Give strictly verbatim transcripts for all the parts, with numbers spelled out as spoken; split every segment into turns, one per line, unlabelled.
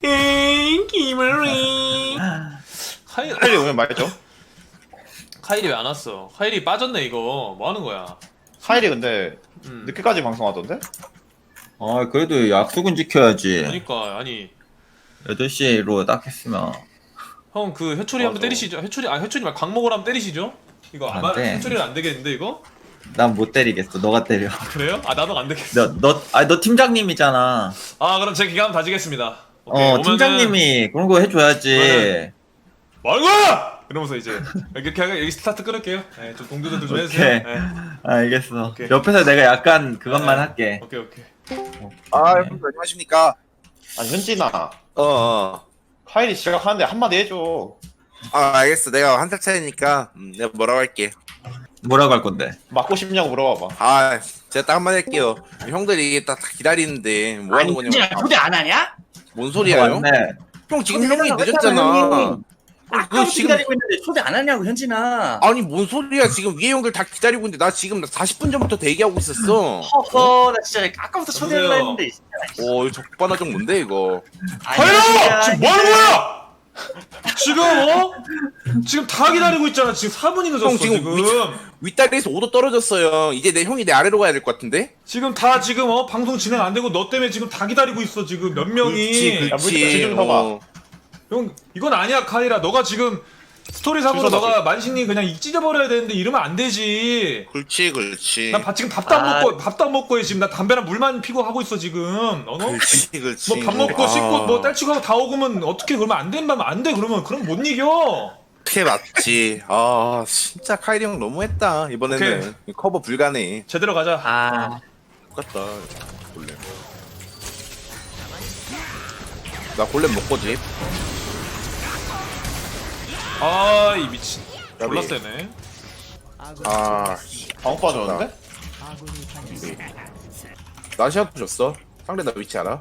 에이 김을리. 카일
카일이 오면 말죠.
카일이 왜 안 왔어? 카일이 빠졌네 이거. 뭐 하는 거야?
카일이 근데
음.
늦게까지 방송하던데?
아 그래도 약속은 지켜야지.
그러니까 아니
여덟 시로 딱 했으면.
형 그 회초리 한번
맞아.
때리시죠. 회초리 아 회초리 말 광목을 한번 때리시죠. 이거 아마
안 돼.
회초리는 안 되겠는데 이거?
난 못 때리겠어. 너가 때려.
그래요? 아 나도 안 되겠어.
너, 너, 아니 너 팀장님이잖아.
아 그럼 제 기가 한번 다지겠습니다. 오케이,
어,
오면은
팀장님이 그런 거 해줘야지.
말고! 이러면서 이제 이렇게 하고 여기 스타트 끊을게요. 네, 좀 동료들 좀 해주세요.
오케이.
네.
알겠어.
오케이.
옆에서 내가 약간 그것만
네.
할게.
오케이 오케이.
아, 형님 안녕하십니까?
아니 현진아,
어, 어.
카일이 시작하는데 한마디 해줘.
아, 알겠어. 내가 한 살 차이니까 음, 내가 뭐라고 할게.
뭐라고 할 건데?
맞고 싶냐고 물어봐봐.
아, 제가 딱 한마디 할게요. 형들이 딱 기다리는데 뭐 하는
아니 현진아
거냐고.
초대 안 하냐?
뭔 소리야, 형?
맞네.
형 지금 형이
초대하려고
늦었잖아.
했잖아,
그
아까부터
지금
기다리고 있는데 초대 안 하냐고 현진아.
아니 뭔 소리야? 지금 위에 형들 다 기다리고 있는데 나 지금 사십 분 전부터 대기하고 있었어.
허허 나 진짜 아까부터 초대를
여보세요?
했는데.
오, 이거 적반하장 뭔데 이거?
하여! 지금 뭐 하는 거야? 지금 어? 지금 다 기다리고 있잖아. 지금 사 분이 늦었어
형, 지금
지금.
위- 윗다리에서 오 도 떨어졌어요. 이제 내 형이 내 아래로 가야 될 것 같은데?
지금 다 지금 어 방송 진행 안 되고 너 때문에 지금 다 기다리고 있어 지금 몇 명이.
그렇지,
야,
그렇지.
지금 봐봐.
어.
형 이건 아니야 카이라. 너가 지금 스토리상으로
주소다,
너가 만신이 그냥 익 찢어버려야 되는데 이러면 안 되지.
그렇지, 그렇지.
난 밥- 지금 밥도 안
아.
먹고 밥도 안 먹고 해 지금 나 담배랑 물만 피고 하고 있어 지금. 어?
그렇지, 그렇지.
뭐 밥 먹고
아.
씻고 뭐 딸치고 하고 다 오고면 어떻게 그러면 안 된다면 안 돼. 그러면 그럼 못 이겨.
그게 맞지. 아, 진짜 카이리 형 너무했다. 이번에는 커버 불가네.
제대로 가자.
아
똑같다. 골렘. 나 골렘 먹거지.
아 이 미친.
나비.
졸라 세네.
아,
방어 빠졌는데?
나 시합 줬어. 상대 나 위치 알아?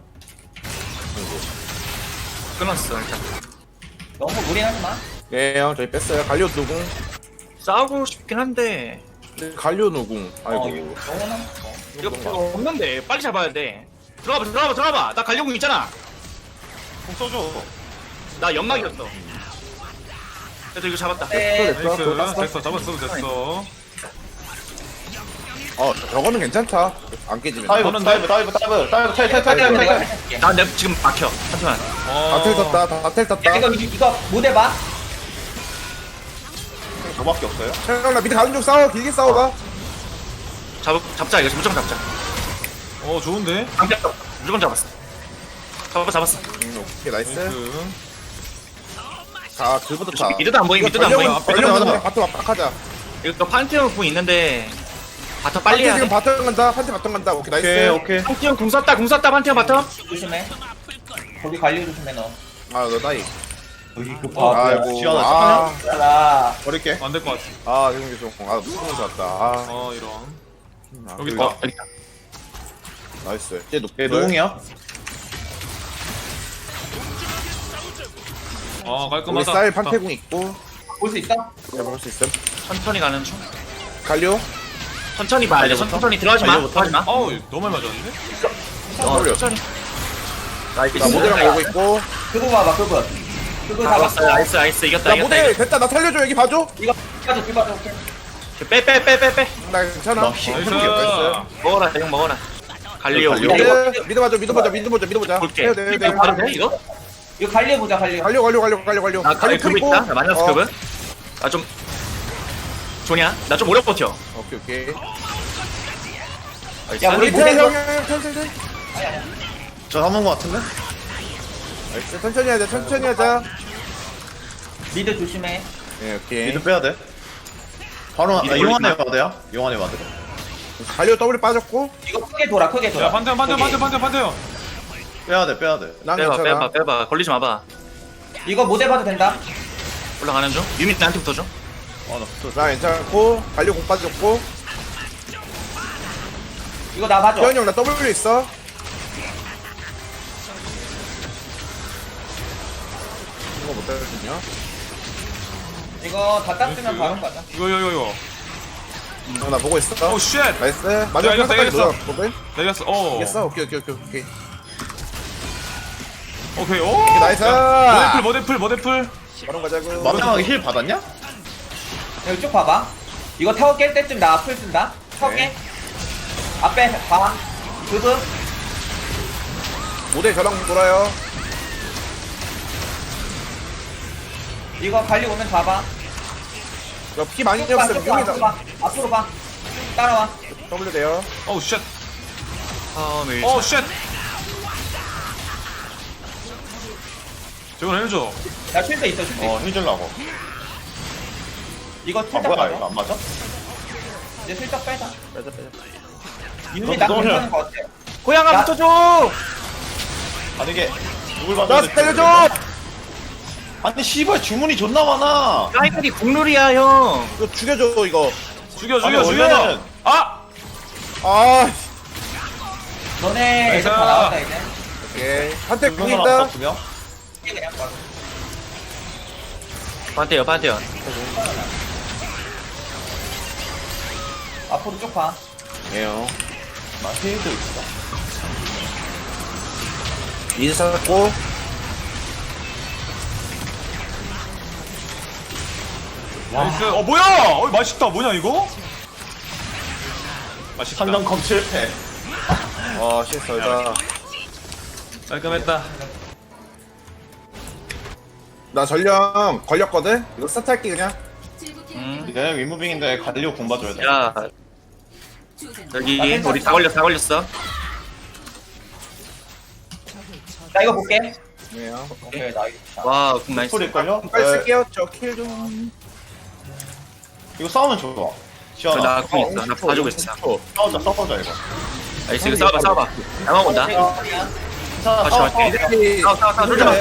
끊었어 일단. 너무 무리하지 마.
예, 형 저희 뺐어요. 갈리오 누궁.
싸우고 싶긴 한데.
갈리오 누궁. 아이고.
어, 영원한. 어. 이거 이거 없는데 빨리 잡아야 돼. 들어가봐 들어가봐 들어가봐. 나 갈려공 있잖아.
공 써줘.
나 연막이었어. 그래도 이거 잡았다.
네.
나이스.
그거 땄어?
됐어 잡았어 됐어.
어, 저거는 괜찮다. 안 깨지면.
다이브,
저는
다이브, 다이브, 다이브, 다이브, 탈, 탈, 탈, 탈, 탈, 탈.
나 내가 지금 막혀. 잠시만.
어.
다텔 떴다. 다텔 떴다.
이거 이거 못 해봐.
저밖에 없어요?
형, 나 밑에 가는 중 싸워. 길게 싸워봐.
잡 잡자 이거 무조건 잡자.
어 좋은데.
방패 무조건 잡았어. 잡았어 잡았어.
음, 오케이, 나이스.
나이스.
자, 그부터 다.
미드도 안 보임 미드도 안 보임.
걸려면 바텀 압박하자.
이거 판테온 궁 있는데 바텀 빨리
판테
해야
지금
돼.
바텀 간다. 판테 바텀 간다. 오케이, 나이스.
오케이, 오케이.
판테온 궁 쐈다 궁 쐈다 판테온 바텀.
조심해. 거기 관리 조심해 너.
아, 너 나이.
여기 그
아,
봐.
아이고.
지연아,
아,
라
버릴게.
안 될 것 같아.
아, 지금 계속. 아, 무슨 거 좋았다. 아,
어 이런.
아,
여기
그리고-
있다.
여기 있다.
나이스. 얘 높.
얘 노공이야?
어
우리
깔끔하다.
쌀 판테궁 있고.
볼 수 있어?
해볼 수 있음.
천천히 가는 중.
갈리오.
천천히 봐야 돼. 천천히 들어가지 마. 들어가지 마.
어우 너무 많이 맞았는데?
어,
걸려.
천천히.
나 모델랑 보고 있고.
그거 봐봐 그거. 그거
잡았어.
잡았어.
나이스 나이스 이겼다
나
이겼다.
모델 됐다. 나 살려줘. 여기 봐줘.
이거 빠져 뒤 빠져. 오케이.
빼빼 빼 빼 빼.
나 괜찮아.
나이스.
해볼게. 나이스.
먹어라 형 먹어라. 갈리오.
갈리오.
이거
미드, 미드 봐줘. 미드 보자. 미드 보자. 미드 보자.
볼게.
해야 돼, 해야 돼.
이거 바로 돼 이거?
이거 관리 보자 관리.
갈려 갈려 갈려 갈려 갈려.
나 갈리 급 있다. 나 마이너스
어,
급은. 나좀 조냐? 나 좀 오래 버텨.
오케이 오케이.
나이스.
야, 우리
천천히
모델
형, 형, 형, 천천히.
저 한번 거 같은데?
나이스. 천천히 하자. 천천히 하자.
미드 조심해.
예, 오케이.
미드 빼야 돼. 바로, 나
미드
용안에
올리지
와드야? 용안에 와드.
갈려 더블 빠졌고.
이거 크게 돌아 크게
야
돌아.
판테온 판테온 판테온 판테온 판테온.
빼야 돼, 빼야 돼.
난
빼봐
괜찮아.
빼봐 빼봐. 걸리지 마봐.
이거 못 해봐도 된다.
올라가는 중. 유닛 나한테 붙어줘.
아, 나
나 괜찮고. 갈려 공 빠졌고.
이거 나 봐줘.
태현이 형 나 W 있어. 이거 못 따라주냐?
이거 다 땄으면 바로 가자.
이거 이거 이거 이거.
어, 나 보고 있어.
오 쉣.
나이스.
야,
마지막
이겼어,
평타까지
이겼어.
넣어. 보글.
내렸어. 어.
이겼어. 오케이 오케이 오케이 오케이.
오케이. 오.
나이스.
모데풀 모데풀 모데풀.
바로 가자고.
마지막에 힐 받았냐?
여기 쭉 봐봐. 이거 타워 깰 때쯤 나 풀 쓴다. 타워 깨. 앞에 봐. 그브.
모델 저랑 돌아요.
이거 관리 오면 봐봐.
이거 피 많이
쭉 봐,
줬으면
쭉 봐, 앞으로
용이다.
봐. 앞으로 봐. 따라와.
W 돼요.
어우 쉣.
아, 네.
어우 쉣. 저건 해줘.
야, 쉴드 있어, 쉴드 있어.
어힐 줄라고.
이거
아
슬쩍
뭐야
가자.
이거 안 맞아?
이제 슬쩍 빼자.
빼자 빼자.
이놈이 나
너무
괜찮은 거 같아.
고양아
야.
붙어줘.
아니 이게 누굴
나
받았는데
때려줘.
아니 씨발 주문이 존나 많아.
라이플이 국룰이야 형.
이거 죽여줘 이거.
죽여
아니,
죽여 죽여.
원래는-
아.
아.
너네
나이스.
애들 다 나왔다, 이제.
오케이. 한테 궁
두명
있다.
남았다 두 명.
이게 그냥 봐.
반대요 반대요.
앞으로 쭉 봐.
예요.
나 힐도 있어.
이제 살았고.
나이스. 어 뭐야? 어 맛있다. 뭐냐 이거? 맛있다.
한명 컴 실패.
아 실수다.
깔끔했다.
나 전령 걸렸거든. 이거 스타트 할게 그냥.
음.
내가 윗무빙인데 갈리오 공 봐줘야 돼.
야 여기 우리 다 걸렸어 다 걸렸어.
나 이거 볼게.
네요.
오케이, 나 이거.
와, 군 나이스.
풀일 걸요?
빨리 쓸게요. 저 킬 좀.
이거 싸우면 좋아. 시원하.
나 군 있어. 나 봐주고 있어.
싸우자 싸우자 이거.
나이스 이거 싸워봐 싸워봐. 나만 온다.
이거
자,
같이
싸워,
갈게.
싸워.
싸워 싸워 싸워 쫄지 마.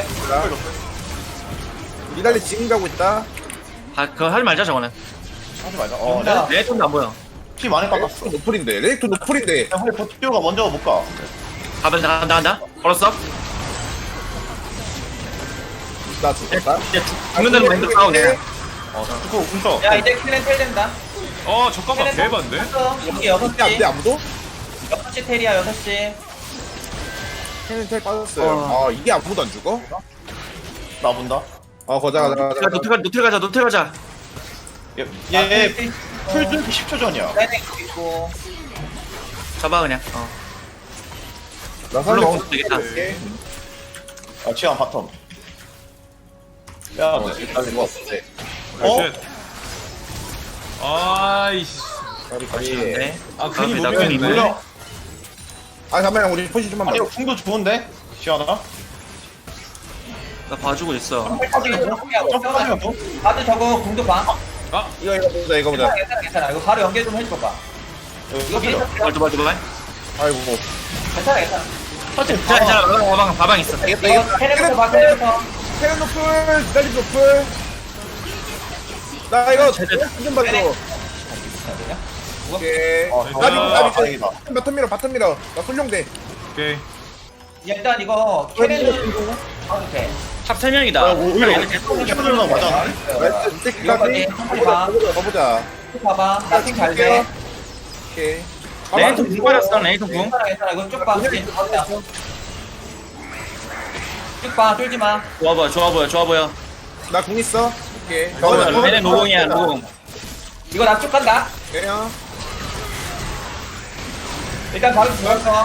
니달리 지금 가고 있다.
아 그거 하지 말자 저거는.
하지 말자. 어,
진짜.
레
내 돈도 안 보여.
피 많이 깎았어.
레이크 노플인데. 레이크 노플인데.
그냥 우리 버티오가 먼저 못 가.
가면 간다 간다. 걸었어.
나 죽었다.
이제 죽- 죽는다는 마인드로 싸워 그냥.
어, 죽고 궁서.
야, 이제 킬렌 텔 된다.
어 잠깐만 대박인데?
여기 여섯
근데 안
시.
돼 아무도?
여섯 시 텔이야, 여섯 시.
텔 빠졌어요. 아 이게 아무도 안 죽어?
나 본다.
어 거자 가자
야
가자.
노트 가 노트 가자 노트 가자.
얘,
아,
얘
텔
풀
있고.
뚫기 십 초 전이야.
텔 있고.
잡아 그냥. 어.
나
물론
살려.
먹어도 되겠다.
아, 치안 바텀. 빼야 돼.
일단 이거 없대.
어?
나이스. 아이씨.
가리 가리.
네.
아 괜히
나
무빙했네.
괜히
몰려.
아 잠깐만 우리 포지 좀만
아니,
봐.
이거 궁도 좋은데? 시원하?
나 봐주고 있어.
점프하면 뭐?
다들 저거 공도 봐.
이거 이거 보자 이거 보자.
괜찮아, 괜찮아, 괜찮아. 이거 바로 연결 좀 해줘봐.
이거 필요.
말 좀, 말 좀, 말.
아이고 뭐.
괜찮아, 괜찮아.
사실
자, 자, 가방, 가방, 가방 있어.
이겼다
이거
이겼다.
텔레부터 봐, 텔레부터.
테렌 노플. 니달리 노플. 나 이거 좀 봐줘. 오케이.
어,
나비
아,
나비
다행이다.
바텀 밀어 바텀 밀어. 나 솔룡대.
오케이.
야, 일단 이거 텔레는 봐도 돼.
탑 세 명이다.
야, 뭐, 오히려 캐롤러 맞아.
나이스.
이거까지
이때까지.
한번 봐.
가보자 가보자.
쭉 봐봐. 나팀 잘 돼.
오케이.
레이튼 궁 빨았어, 레이튼 궁.
괜찮아, 괜찮아. 이거 쭉 봐. 쭉 봐, 쫄지 마.
좋아 보여, 좋아 보여, 좋아 보여.
나 궁 있어. 오케이.
얘네 노공이야, 노공.
이거 나 쭉 간다.
그래요.
일단 바로 들어갔어.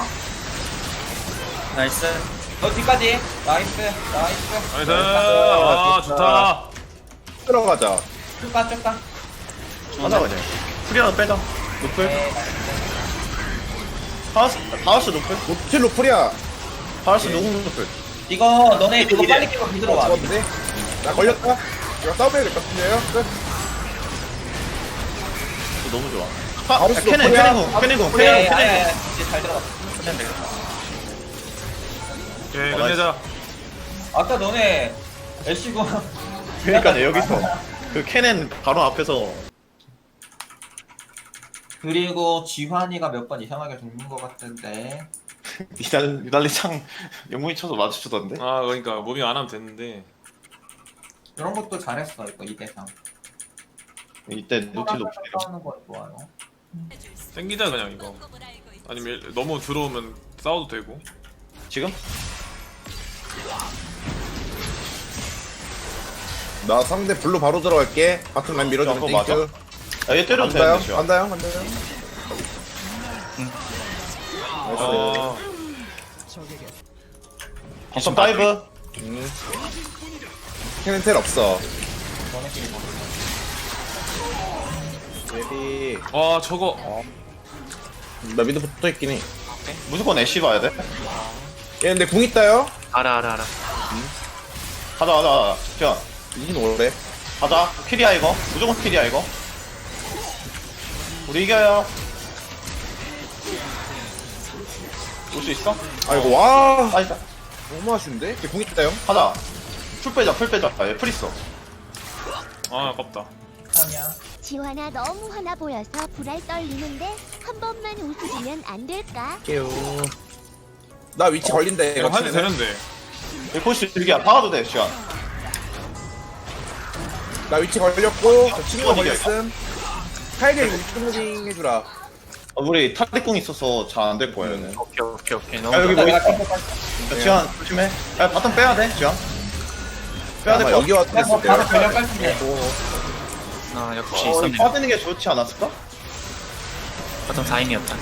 나이스.
너 뒤까지. 나이스, 나이스.
나이스. 아 좋다.
들어가자.
쭉 가, 쭉 가.
하자 그냥. 프리 하나 빼자. 노플.
네,
바우스, 바우스 노플.
노틸 노플이야.
바우스 노공 노플.
이거 너네 그거 빨리 끼고 비들어 와.
죽었는데. 나 걸렸다. 이거 싸움해야 될 것 같은데요. 끝.
이거 너무 좋아. 아,
바우스
캐넨,
노플이야.
캐넨공, 캐넨공,
그래,
캐넨,
아야,
캐넨.
아야. 이제 잘 들어갔어. 끝내면 되겠다.
오케이
어,
끝내자.
아까 너네 애쉬고.
그러니까 여기서 그 캐넨 바로 앞에서
그리고 지환이가 몇 번 이상하게 죽는 것 같은데.
니달 니달리 창 영웅이 쳐서 맞추던데.
아 그러니까 무빙 안 하면 됐는데.
이런 것도 잘했어 이거 이 대상.
이때 노틸 노플.
하는 거 좋아요.
땡기자 그냥 이거. 아니면 너무 들어오면 싸워도 되고.
지금?
나 상대 블루 바로 들어갈게. 바텀 라인 밀어주면
그거 맞아?
땡큐.
야얘 때려도
간다요?
되는데 지금.
간다요? 간다요? 나이스.
어,
바텀 다이브.
음. 캐는 텔 없어. 예비.
와 저거
나 미드 붙어 있긴 해.
무조건 애쉬 봐야 돼.
얘 근데 궁 있다요?
알아 알아 알아.
가자 가자 가자. 지원.
이긴 오래.
가자. 킬이야 이거. 무조건 킬이야 이거. 우리 이겨요. 올 수 있어?
아이고 와.
빠지자.
너무 아쉬운데? 걔궁 있다요?
가자. 풀 빼자 풀 빼자. 아, 얘 풀 있어.
아 아깝다.
지환아 너무 화나 보여서 불알 떨리는데 한 번만 웃어주면 안 될까?
할게요. 나 위치 걸린다
이거
이거
해도
치면은.
되는데.
얘 폴시 들기야. 박아도 돼 지원.
나 위치 걸렸고 저 친구가
어디야,
걸렸음. 카이리 위치 무빙 해주라.
어, 우리 탈리궁 있어서 잘 안 될 거야 얘는.
오케이 오케이 오케이. 너무
야 여기
좋아.
뭐 있어? 야, 지원 조심해. 야 바텀 빼야 돼 지원. 빼야
아마
될거
여기 왔을
그냥 뭐
때.
바로 전력 깔끔해.
아 역시
어,
있었네.
빠지는 게 좋지 않았을까?
바텀 사인이었다.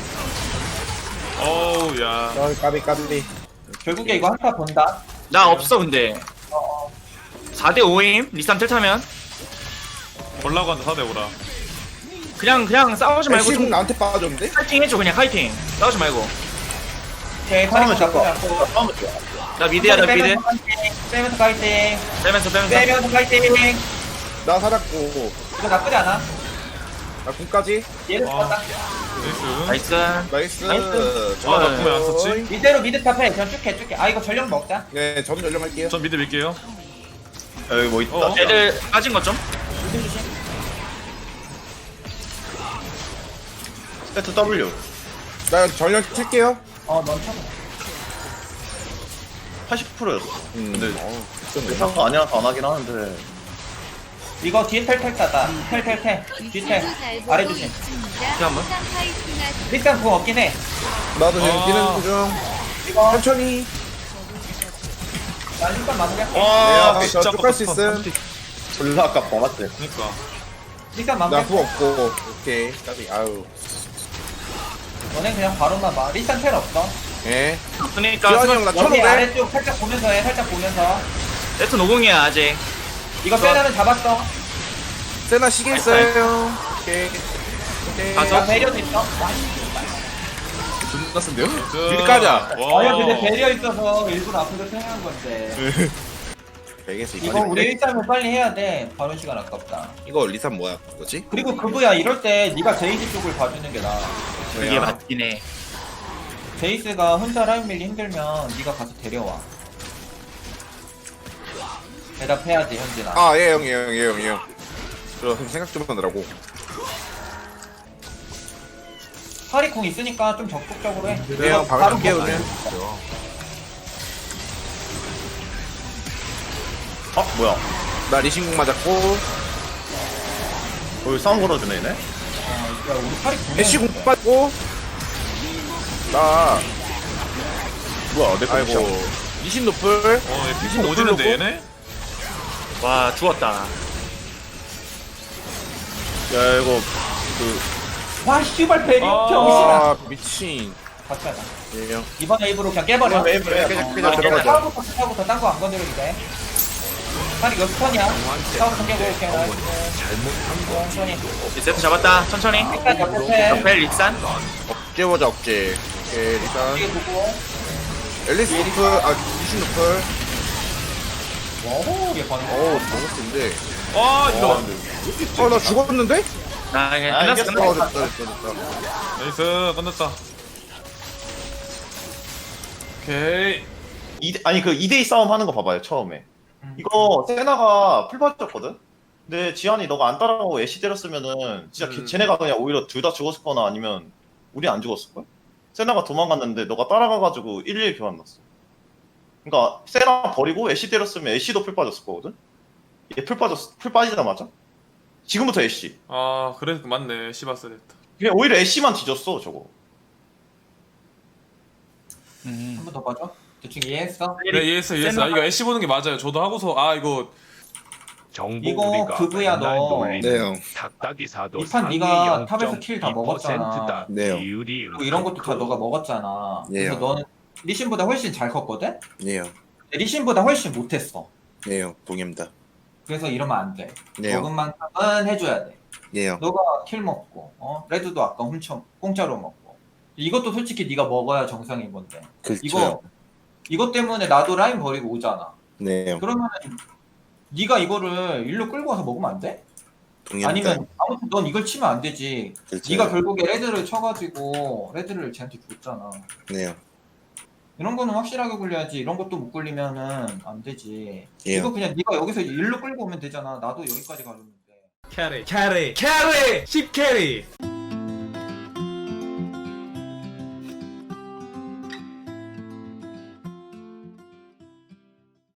어우 야.
아, 까비 까비.
결국에 이거 한타 본다.
나 없어 근데. 사 대 오임 리산 틀 타면
올라고 한다 사대 오라.
그냥 그냥 싸우지 말고
애쉬 궁
좀
나한테 빠졌는데?
파이팅 해줘 그냥 파이팅. 싸우지 말고.
오케이,
싸우면
파이팅
좋을
잡고
것
잡고.
싸우면 좋아.
나 미드야 나 미드.
빼면서 파이팅.
빼면서 빼면서.
빼면서 파이팅.
나 살았고.
이거 나쁘지 않아.
나 궁까지.
얘를
와.
잡았다.
나이스.
나이스.
나이스.
나이스.
와, 나 궁을 안 썼지?
이대로 미드 탑해. 그냥 쭉 해, 쭉 해. 아, 이거 전력 먹자.
네, 전 연령할게요.
전 미드 밀게요.
야, 여기 뭐 있다.
어?
애들 빠진 것 좀.
세트 W.
나 전령 칠게요.
어, 넌 쳐봐.
팔십 퍼센트였어.
음.
근데
어,
의사가 아니라서 안 하긴 하는데.
이거 뒤에 텔텔 따다. 텔텔텔. 뒤에 텔. 아래 조심.
한번.
일단 그거 없긴 해.
나도 지금
아.
뛰는 중.
이거
천천히.
나 일단 마무리할게.
와,
네,
진짜
저쪽갈 수
아깝다.
있음.
졸라 아깝다, 맞지?
그니까.
일단
나
마무리할게.
후 없고. 오케이. 까비. 아유.
너네 그냥 바로만 봐. 일단 텔 없어.
예.
그러니까
지환이 형, 나
여기
천오백.
아래쪽 살짝 보면서 해. 살짝 보면서.
세트 노공이야 아직.
이거 세나는 잡았어.
세나 시계 있어요. 오케이. 오케이.
가서.
나 배려도 있어.
존나 쓴데요?
나이스.
길 까자.
아니 근데 배려 있어서 일부러 앞으로 생각한 건데.
백에서
이거 우리 일단은 빨리 해야 돼. 바로 시간 아깝다.
이거 리산 뭐야? 뭐지?
그리고 그부야 이럴 때 네가 제이스 쪽을 봐주는 게 나아.
그게 맞긴 해.
제이스가 혼자 라인 밀리 힘들면 네가 가서 데려와. 대답해야지 현진아.
아, 예, 형, 예, 형, 예, 형, 예, 형. 그럼 생각 좀 하느라고.
파리콩 있으니까 좀 적극적으로 해.
예, 형, 바로
먹어요.
깨우면.
아, 뭐야.
나 리신궁 맞았고.
여기 싸움 걸어주네, 얘네.
야 우리 파리콩.
애쉬궁 빠졌고. 나,
뭐야, 내
아이고.
아이고.
리신 노플.
어, 얘 피통 오지는데 얘네?
와 죽었다.
야, 이거, 그,
와 씨발 배려
아.
병신아.
아, 미친.
같이 하자.
예, 형.
이번 웨이브로 그냥 깨버려.
아, 웨이브로 해. 그냥, 그냥
아,
들어가자.
타워부터 타워부터 딴거 안 건드려도 돼. 파리 여기 턴이야. 타워부터 깨고 이렇게 나이스. 천천히.
이제 세트 잡았다. 천천히.
일단 옆에
벨 릭산.
억제 보자, 억제. 오케이, 리산.
뒤에 보고.
앨리스 노플. 아, 리신 노플.
오, 얘 반응.
어우, 너무 센데.
아, 이거.
어, 나 죽었는데?
나 그냥
아,
끝났어
이겼어.
어,
끝났어.
됐다, 됐다, 됐다.
나이스. 끝났다. 오케이.
이 아니, 그 이 대 이 싸움 하는 거 봐봐요, 처음에. 이거, 세나가 풀 빠졌거든? 근데 지한이 너가 안 따라가고 애쉬 때렸으면은, 진짜 걔-
음.
쟤네가 그냥 오히려 둘 다 죽었을 거나 아니면, 우리 안 죽었을걸? 세나가 도망갔는데, 너가 따라가가지고 일 일 교환 났어. 그니까, 세나 버리고 애쉬 때렸으면 애쉬도 풀 빠졌을 거거든? 얘 풀 빠졌어. 풀 빠지자마자? 지금부터 애쉬.
아, 그래, 맞네. 시바스 됐다.
그냥 오히려 애쉬만 뒤졌어, 저거.
음.
한 번 더 봐줘. 대충 이해했어?
네 이해했어 이해했어. 아, 이거 애쉬 보는 게 맞아요. 저도 하고서 아 이거
이거 그브야 너.
네 형.
이 판 네가 탑에서 킬 다 먹었잖아.
네요.
그리고 이런 것도 다 너가 먹었잖아. 그래서
예요.
너는 리신보다 훨씬 잘 컸거든?
네요.
리신보다 훨씬 못했어.
네요. 동의합니다.
그래서 이러면 안 돼.
네요.
먹은 만큼은 해줘야 돼.
네요.
너가 킬 먹고, 어? 레드도 아까 훔쳐 공짜로 먹고. 이것도 솔직히 네가 먹어야 정상인 건데.
그렇죠.
이거 이것 때문에 나도 라인 버리고 오잖아.
네요.
그러면 네가 이거를 일로 끌고 와서 먹으면 안 돼?
동의합니다.
아니면 아무튼 넌 이걸 치면 안 되지.
그렇죠.
네가 결국에 레드를 쳐가지고 레드를 쟤한테 줬잖아.
네요.
이런 거는 확실하게 굴려야지. 이런 것도 못 굴리면은 안 되지.
예.
이거 그냥 네가 여기서 일로 끌고 오면 되잖아. 나도 여기까지 가려는데.
캐리 캐리 캐리 십 캐리